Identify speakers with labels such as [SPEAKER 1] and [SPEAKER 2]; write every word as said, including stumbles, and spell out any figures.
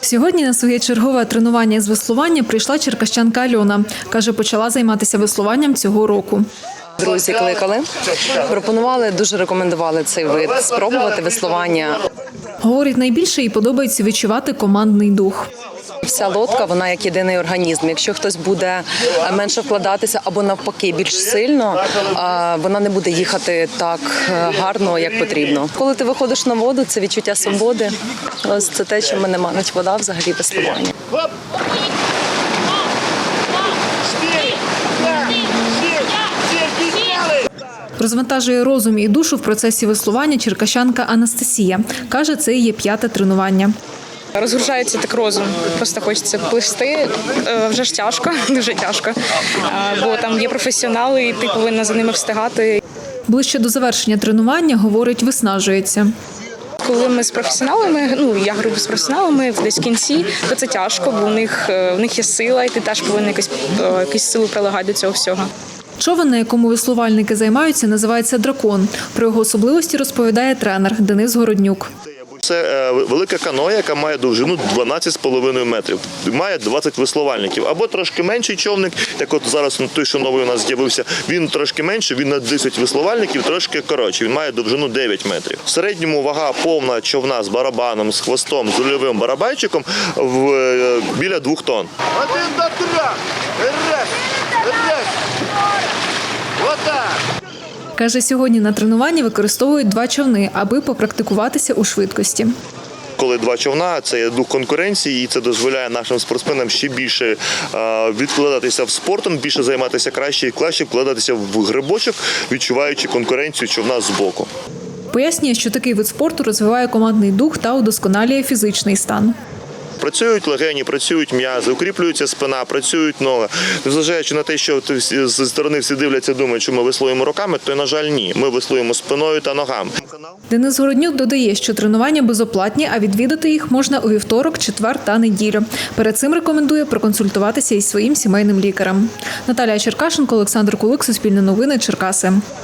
[SPEAKER 1] Сьогодні на своє чергове тренування з веслування прийшла черкащанка Альона. Каже, почала займатися веслуванням цього року.
[SPEAKER 2] Друзі кликали, пропонували, дуже рекомендували цей вид спробувати веслування.
[SPEAKER 1] Говорить, найбільше їй подобається відчувати командний дух.
[SPEAKER 2] Вся лодка, вона як єдиний організм. Якщо хтось буде менше вкладатися або навпаки більш сильно, вона не буде їхати так гарно, як потрібно. Коли ти виходиш на воду, це відчуття свободи. Ось це те, що мене манить вода взагалі веслування.
[SPEAKER 1] Розвантажує розум і душу в процесі веслування черкащанка Анастасія. Каже, це її п'яте тренування.
[SPEAKER 3] Розгружається так розум, просто хочеться плисти, вже ж тяжко, дуже тяжко, бо там є професіонали і ти повинна за ними встигати.
[SPEAKER 1] Ближче до завершення тренування, говорить, виснажується.
[SPEAKER 3] Коли ми з професіоналами, ну я грубо з професіоналами, десь в кінці, то це тяжко, бо у них, у них є сила і ти теж повинен якусь, якусь силу прилагати до цього всього.
[SPEAKER 1] Човен, на якому веслувальники займаються, називається «Дракон». Про його особливості розповідає тренер Денис Городнюк.
[SPEAKER 4] Це велика каноя, яка має довжину дванадцять з половиною метрів. Має двадцять веслувальників. Або трошки менший човник, як от зараз той, що новий у нас з'явився, він трошки менший, він на десять веслувальників, трошки коротший. Він має довжину дев'ять метрів. В середньому вага повна човна з барабаном, з хвостом, з рульовим барабанчиком в, біля двох тонн. Один до трьох! Раз! Раз! Отак!
[SPEAKER 1] Каже, сьогодні на тренуванні використовують два човни, аби попрактикуватися у швидкості.
[SPEAKER 4] Коли два човна, це є дух конкуренції, і це дозволяє нашим спортсменам ще більше відкладатися в спортом, більше займатися краще і краще вкладатися в грибочок, відчуваючи конкуренцію човна збоку.
[SPEAKER 1] Пояснює, що такий вид спорту розвиває командний дух та удосконалює фізичний стан.
[SPEAKER 4] Працюють легені, працюють м'язи, укріплюється спина, працюють ноги. Незважаючи на те, що зі сторони всі дивляться, думають, що ми веслуємо руками, то, на жаль, ні. Ми веслуємо спиною та ногами.
[SPEAKER 1] Денис Городнюк додає, що тренування безоплатні, а відвідати їх можна у вівторок, четвер та неділю. Перед цим рекомендує проконсультуватися із своїм сімейним лікарем. Наталія Черкашенко, Олександр Кулик, Суспільне новини, Черкаси.